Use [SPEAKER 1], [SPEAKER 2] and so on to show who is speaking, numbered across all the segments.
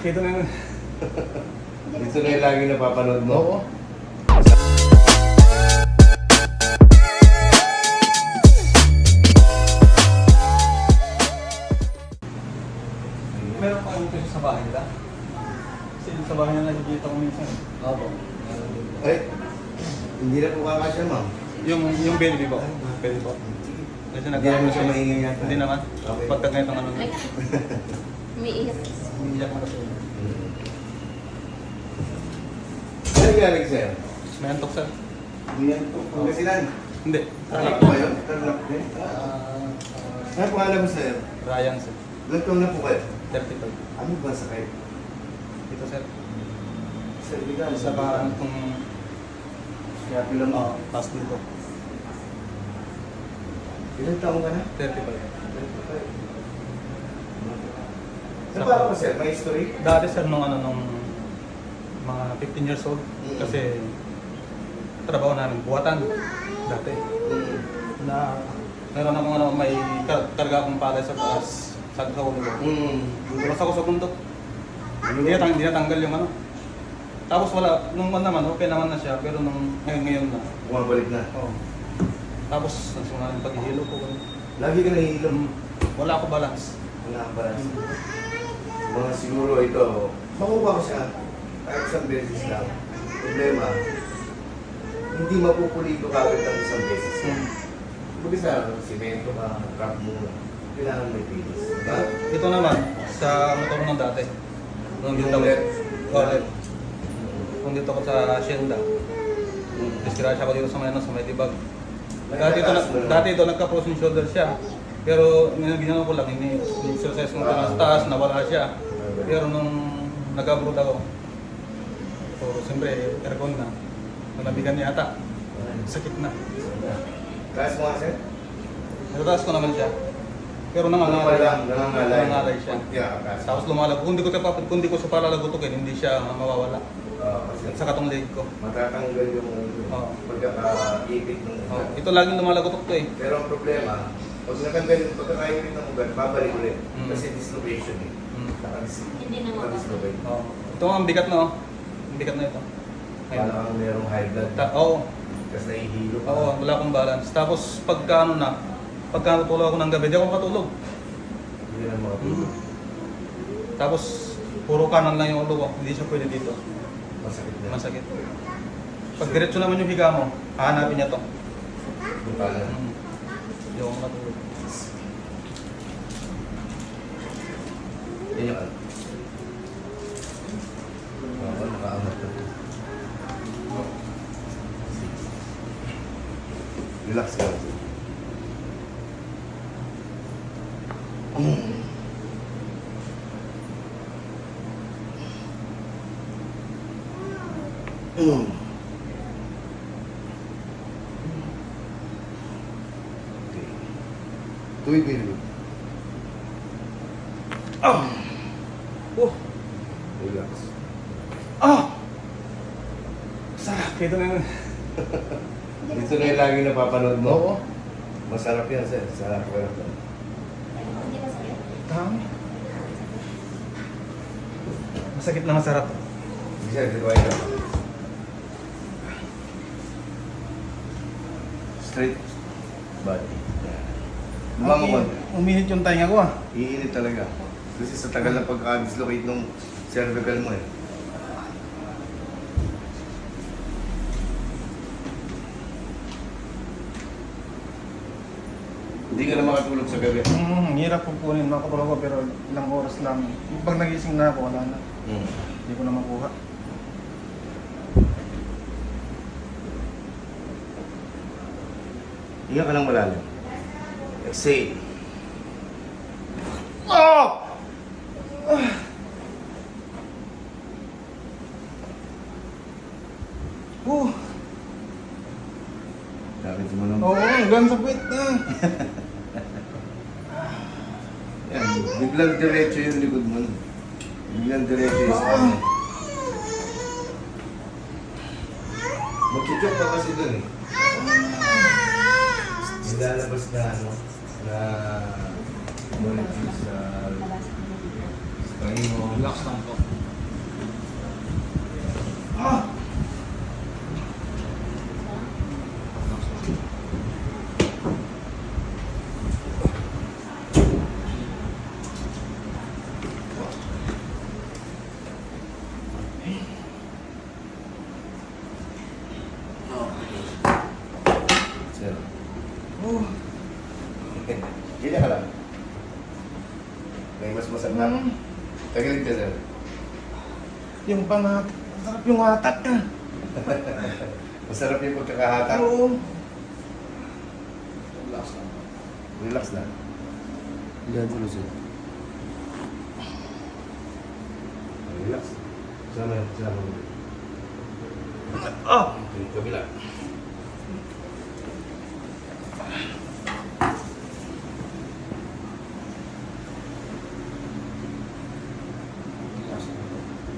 [SPEAKER 1] Ito na yun.
[SPEAKER 2] Dito na yung lagi napapanood mo.
[SPEAKER 1] Oo. Meron pa rin kasi sa bahay nila. Kasi sa bahay nila nakikita ko minsan.
[SPEAKER 2] Opo. Ay, hindi na po kakasya, ma'am.
[SPEAKER 1] Yung baby po. Baby po. Kasi
[SPEAKER 2] Hindi naman siya maingay yata.
[SPEAKER 1] Hindi naman.
[SPEAKER 2] Okay.
[SPEAKER 1] Pagka ganitong ano.
[SPEAKER 3] Umiiyak.
[SPEAKER 1] Umiiyak mo kasi.
[SPEAKER 2] Ano nangyari sa'yo?
[SPEAKER 1] May antok sir.
[SPEAKER 2] Hindi yan po. Pangasinan.
[SPEAKER 1] Hindi.
[SPEAKER 2] Tarlac po kayo? Tarlac din? Ano pangalan mo sa'yo?
[SPEAKER 1] Ryan sir.
[SPEAKER 2] Ilan taon na po kayo?
[SPEAKER 1] 35.
[SPEAKER 2] Ano ba sakay?
[SPEAKER 1] Ito sir.
[SPEAKER 2] Sir, bigan.
[SPEAKER 1] Sa parang itong
[SPEAKER 2] Kaya pilang mo.
[SPEAKER 1] task dito.
[SPEAKER 2] Ilan taon ka na?
[SPEAKER 1] 35.
[SPEAKER 2] Ano pa ako sir? May history?
[SPEAKER 1] Dati sir nung mga 15 years old kasi trabaho namin buwatan dati na meron akong may karga akong palay sa taas sa ulo ko. Dulas ako sa bundok. Hindi natanggal yung ano. Tapos wala, nung naman okay naman na siya pero nung ngayon na.
[SPEAKER 2] Bumabalik na.
[SPEAKER 1] Oo. Tapos nasunod yung paghihilo ko.
[SPEAKER 2] Lagi ka nahihilom.
[SPEAKER 1] Wala ako balance.
[SPEAKER 2] Wala kang balance. Mga siguro ito, makuha ko siya kahit isang beses lang. Problema, hindi mapupulito kagad ng isang beses lang. Buti sa simento ka, trap mo, kailangan may pilis. Diba?
[SPEAKER 1] Ito naman sa motor ng dati. Nung dito
[SPEAKER 2] Yung ulit.
[SPEAKER 1] ulit. Kung dito ko sa Hacienda. Disgrasya ko dito sa may Libag. Dati ito nagka-frozen shoulder siya. Pero ginawa ko lang, ini-exercise ko sa taas, nawala siya. Pero nung nag-abroad ako, so siyempre aircon na, nalabigan niya ata. Sakit na.
[SPEAKER 2] Taas mo nga sir?
[SPEAKER 1] Natataas ko naman siya. Pero nangangalay
[SPEAKER 2] Nangangalay
[SPEAKER 1] siya.
[SPEAKER 2] Yeah,
[SPEAKER 1] Tapos lumalag. Kung di ko siya palalagutukin, hindi siya mawawala.
[SPEAKER 2] kasi
[SPEAKER 1] Sa katong leg ko.
[SPEAKER 2] matatanggal yung
[SPEAKER 1] Oo.
[SPEAKER 2] pagkakaipit ng
[SPEAKER 1] Oh,
[SPEAKER 2] ugat.
[SPEAKER 1] ito laging lumalagutok to eh.
[SPEAKER 2] Pero ang problema, pag natanggal yung pagkakaipit ng ugat, babalik ulit. Kasi dislocation eh.
[SPEAKER 3] Hindi na
[SPEAKER 2] Dislocate.
[SPEAKER 1] Oh. Ito ang bigat na oh. Ang bigat na ito. Ayun.
[SPEAKER 2] Parang merong high blood.
[SPEAKER 1] Oo.
[SPEAKER 2] Kasi nahihilo ka.
[SPEAKER 1] Oo, wala akong balance. Tapos pagka natulog ako ng gabi, di ako makatulog.
[SPEAKER 2] Hindi na makatulog.
[SPEAKER 1] Tapos puro kanan lang yung ulo ko. Hindi siya pwede dito.
[SPEAKER 2] Masakit na.
[SPEAKER 1] Masakit. Pag diretso naman yung higa mo, hahanapin niya to.
[SPEAKER 2] Buta na.
[SPEAKER 1] Hindi ako makatulog.
[SPEAKER 2] Yan yung ano. Oo, nakaangat na. Relax ka lang. Okay. Tuwid mo yun.
[SPEAKER 1] Oh!
[SPEAKER 2] Relax.
[SPEAKER 1] Sarap. Ito na yun.
[SPEAKER 2] Dito na yung lagi napapanood mo.
[SPEAKER 1] Oo.
[SPEAKER 2] Masarap yan, sir. Sarap ka lang.
[SPEAKER 3] Hindi ka sakit.
[SPEAKER 1] Dami. Masakit na masarap.
[SPEAKER 2] Sir, dito kayo. Straight body. Lumango mo.
[SPEAKER 1] Uminit yung tainga ko ah.
[SPEAKER 2] Iinit talaga. Kasi sa tagal na pagka-dislocate ng cervical mo eh. Hindi ka na makatulog sa gabi.
[SPEAKER 1] Hirap po kunin. Makatulog ko pero ilang oras lang. Pag nagising na ako, wala na. Hindi ko na makuha.
[SPEAKER 2] Higa ka lang malalim. Exhale. Dapat mo nung...
[SPEAKER 1] Oo, hanggang sa puwit na.
[SPEAKER 2] Yan, biglang diretso yung likod mo. Biglang diretso yung sa ano. Magchuchok ka kasi dun eh. Nilalabas na ano, na molecule sa tayo mo.
[SPEAKER 1] Relax lang po.
[SPEAKER 4] Oh.
[SPEAKER 2] Ganyan ka lang. May mas masarap. Tagalit ka, sir.
[SPEAKER 4] Yung pangat. Masarap yung hatak ka.
[SPEAKER 2] Masarap yung pagkakahatak.
[SPEAKER 4] Oo.
[SPEAKER 1] Relax lang.
[SPEAKER 2] Relax na.
[SPEAKER 4] Yan tuloy sir.
[SPEAKER 2] Relax. Sama.
[SPEAKER 4] Ah!
[SPEAKER 2] Okay, kabila.
[SPEAKER 1] Relax lang.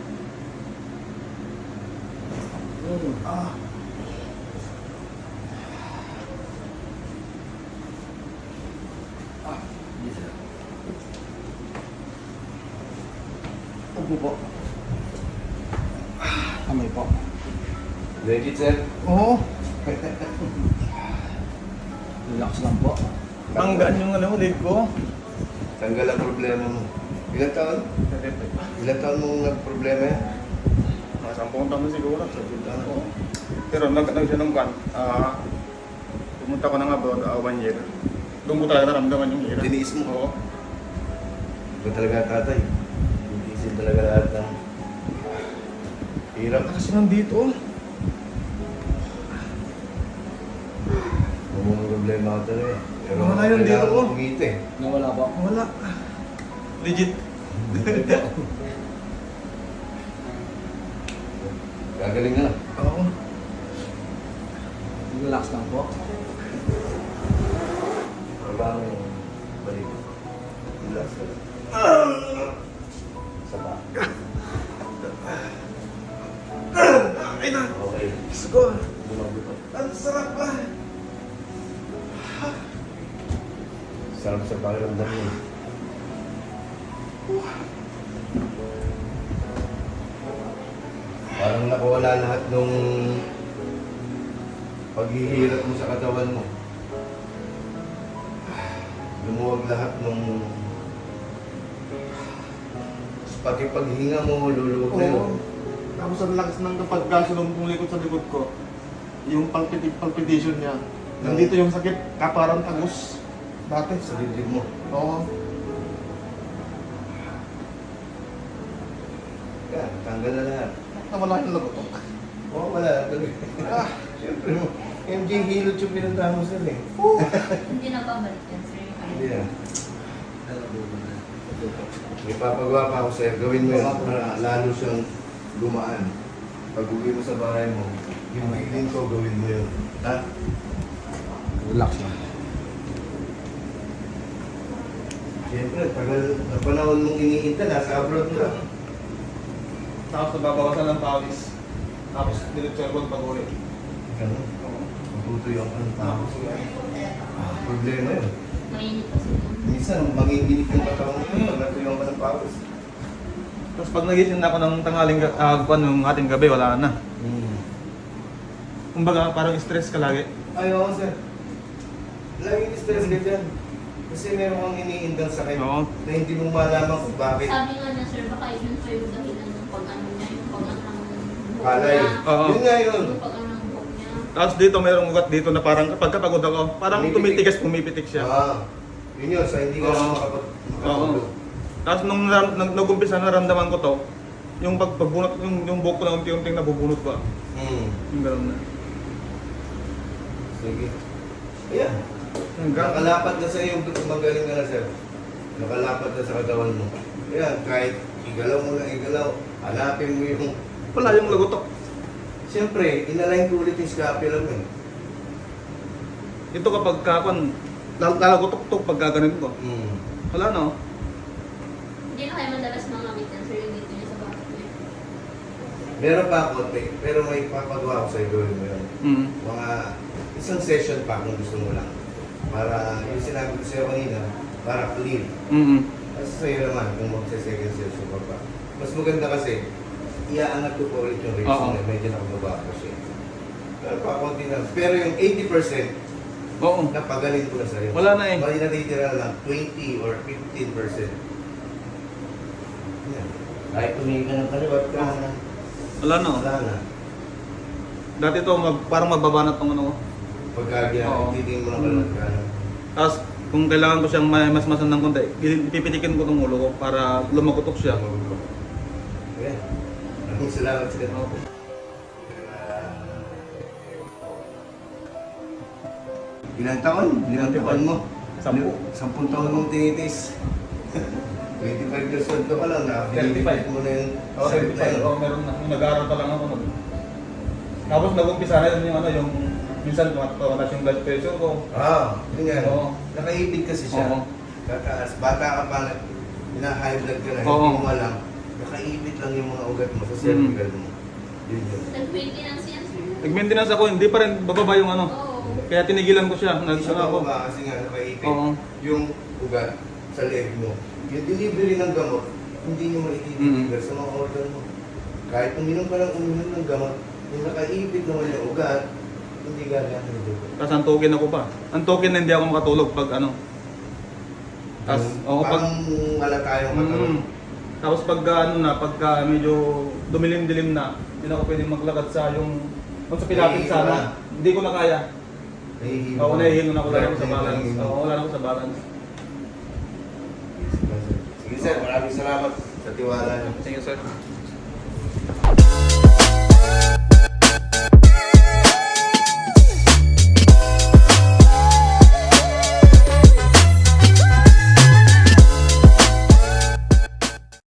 [SPEAKER 4] Ah!
[SPEAKER 2] Yes, sir.
[SPEAKER 4] Upo po. Kamay po.
[SPEAKER 2] Legit, sir.
[SPEAKER 4] Oo. Relax lang po. Tanggaan yung ano, leg ko.
[SPEAKER 2] Tanggal ang problema mo. Ilan taon? Ilan taon mong nagproblema yan?
[SPEAKER 4] Mga 10 taon siguro. Pero nag siya ng kan. Pumunta ko na nga doon 1 year. Doon ko talaga naramdaman yung hirap.
[SPEAKER 2] Tiniis mo?
[SPEAKER 4] Oo.
[SPEAKER 2] Ito talaga tatay. Hindi isin talaga lahat ng hirap.
[SPEAKER 4] Kasi nandito.
[SPEAKER 2] Mga problema ko talaga. Pero
[SPEAKER 4] Wala yun dito,
[SPEAKER 2] kailangan
[SPEAKER 4] oh.
[SPEAKER 2] mo kumita eh.
[SPEAKER 1] Nawala po.
[SPEAKER 4] Wala. Legit.
[SPEAKER 2] Gagaling na.
[SPEAKER 4] Oo.
[SPEAKER 1] Relax lang po.
[SPEAKER 2] Parang balik. Relax ka lang. Isa pa.
[SPEAKER 4] Ay na.
[SPEAKER 2] Okay.
[SPEAKER 4] Let's go.
[SPEAKER 2] Lumagot.
[SPEAKER 4] Ang sarap pa.
[SPEAKER 2] Sarap sa pakiramdam mo. Parang nakawala lahat nung paghihirap mo sa katawan mo. Lumuwag lahat nung pati paghinga mo, luluwag na yun.
[SPEAKER 4] Oo. Tapos ang lakas ng pagkasunod kong likod sa likod ko. Yung palpitation niya. Nandito yung sakit, kaparang tagus. Dati.
[SPEAKER 2] Sa dibdib mo.
[SPEAKER 4] Oo.
[SPEAKER 2] Yan, tanggal na lahat.
[SPEAKER 4] Nawala yung lagotok.
[SPEAKER 2] Oo, wala. Tuloy. Siyempre mo. MJ Hilot yung pinuntahan mo sir eh.
[SPEAKER 3] Hindi na babalik yan, sir.
[SPEAKER 2] Hindi na. May papagawa pa ako sir. Gawin mo yun para lalo siyang gumaan. Pag uwi mo sa bahay mo, yung feeling ko, gawin mo yun. Ha?
[SPEAKER 1] Relax lang.
[SPEAKER 2] Siyempre, tagal na panahon mong iniinta, nasa abroad ka.
[SPEAKER 1] Tapos nababawasan ng pawis. Tapos diretso yung pag-uri.
[SPEAKER 2] Ganun. Matutuyong ka ng tao. Problema yun.
[SPEAKER 3] Mainit kasi yun.
[SPEAKER 2] Minsan, manginginig yung katawan mo pag natuyong ka ng pawis.
[SPEAKER 1] Tapos pag nagising na ako ng tanghaling yung ating gabi, wala na. Kumbaga parang stress ka lagi.
[SPEAKER 2] Ay, oo sir. Laging stress ka dyan. Kasi meron kang iniindang sakit
[SPEAKER 1] Oo.
[SPEAKER 2] na hindi mo malaman kung bakit.
[SPEAKER 3] Sabi nga niya, sir, baka yun pa yung dahilan ng pag-ano niya, yung pag-ano ng buhok
[SPEAKER 2] Palay.
[SPEAKER 3] niya.
[SPEAKER 1] Oo.
[SPEAKER 2] Yun nga yun.
[SPEAKER 3] Yung pag-ano ng buhok niya.
[SPEAKER 1] Tapos dito mayroong ugat dito na parang kapag kapagod ako, parang
[SPEAKER 2] Pumipitik.
[SPEAKER 1] pumipitik siya.
[SPEAKER 2] Yun yun, sa hindi ka
[SPEAKER 1] Oo.
[SPEAKER 2] makapag-tulog.
[SPEAKER 1] Tapos nung nag-umpisa naramdaman ko to, yung pagbunot, yung buhok ko na unti-unting nabubunot ba? Yung gano'n na.
[SPEAKER 2] Sige. Ayan.
[SPEAKER 1] Hanggang,
[SPEAKER 2] Nakalapat na sa iyo, magaling ka na sir. Nakalapat na sa katawan mo. Ayan, kahit igalaw mo na igalaw, hanapin mo yung...
[SPEAKER 1] wala yung lagotok.
[SPEAKER 2] Siyempre, inalign ko ulit yung scapula mo eh.
[SPEAKER 1] Ito kapag kakon, lalagotok-tok pag gaganin ko. Wala no?
[SPEAKER 3] Hindi na kayo madalas mangamit yan, sir, yung dito niya sa bakit niya.
[SPEAKER 2] Meron pa ako, pero may papagawa ko sa'yo, gawin mo yun. Mga isang session pa kung gusto mo lang. Para, yung sinabi ko sa'yo kanina, para clear. Kasi sa'yo naman, kung magsa-second session ka pa. Mas maganda kasi, iaangat ko po ulit yung rates
[SPEAKER 1] Oo.
[SPEAKER 2] na medyo nakababa ko siya. Pero pa konti na. Pero yung 80%,
[SPEAKER 1] Oo.
[SPEAKER 2] napagaling ko na sa'yo.
[SPEAKER 1] Wala na eh.
[SPEAKER 2] Mali natitira lang 20 or 15%. Yan. Kahit tumingin ka ng kaliwat ka na.
[SPEAKER 1] Wala no?
[SPEAKER 2] Wala na.
[SPEAKER 1] Dati to parang magbabanat tong ano ko.
[SPEAKER 2] Pagka
[SPEAKER 1] Oo.
[SPEAKER 2] titingin mo ng kalat ka.
[SPEAKER 1] Tapos kung kailangan ko siyang mas-masan ng konti, pipitikin ko ng ulo ko para lumagotok siya.
[SPEAKER 2] Ayan. Maraming salamat sir.
[SPEAKER 1] Opo.
[SPEAKER 2] Ilang taon? Ilang taon mo?
[SPEAKER 1] 10.
[SPEAKER 2] 10 taon mong tinitis. 25 years old ka pa lang, nakapilipit mo na yung
[SPEAKER 1] Oo,
[SPEAKER 2] sakit na yun.
[SPEAKER 1] meron na. Yung nag-aaral pa lang ako nun. Tapos nag-umpisa na yun yung ano, yung minsan tumataas yung blood pressure ko.
[SPEAKER 2] Yun yan.
[SPEAKER 1] Oo.
[SPEAKER 2] Nakaipit kasi siya.
[SPEAKER 1] Oo.
[SPEAKER 2] Tataas. Bata ka pa, high blood ka na,
[SPEAKER 1] Oo.
[SPEAKER 2] hindi mo alam. Nakaipit lang yung mga ugat mo sa cervical mo. Yun yun.
[SPEAKER 3] Nag-maintenance yan, sir.
[SPEAKER 1] Nag-maintenance ako, hindi pa rin bababa yung ano.
[SPEAKER 3] Oo.
[SPEAKER 1] Kaya tinigilan ko siya.
[SPEAKER 2] Isa
[SPEAKER 1] Nag-ano ako.
[SPEAKER 2] ba kasi nga nakaipit
[SPEAKER 1] Oo.
[SPEAKER 2] yung ugat sa leg mo. Yung delivery ng gamot, hindi nyo maitideliver sa mga organ mo. Kahit uminom ka lang uminom ng gamot, yung nakaipit naman yung ugat, hindi gagana yung dugo.
[SPEAKER 1] Tapos antukin ako pa. Antukin na hindi ako makatulog pag ano. Tapos, oo, pag...
[SPEAKER 2] Parang wala tayong katawan.
[SPEAKER 1] Tapos pagka ano na, pagka medyo dumilim-dilim na, hindi na ako pwedeng maglakad sa yung... Kung sa pilapit
[SPEAKER 2] Nahihilo
[SPEAKER 1] sana,
[SPEAKER 2] na.
[SPEAKER 1] hindi ko na kaya.
[SPEAKER 2] Nahihilo.
[SPEAKER 1] Oo, nahihilo na ako, wala na ako sa
[SPEAKER 2] Nahihilo
[SPEAKER 1] balance.
[SPEAKER 2] na yun.
[SPEAKER 1] Oo, wala na ako sa balance.
[SPEAKER 2] Sige sir, maraming salamat sa tiwala niyo.
[SPEAKER 1] Sige sir.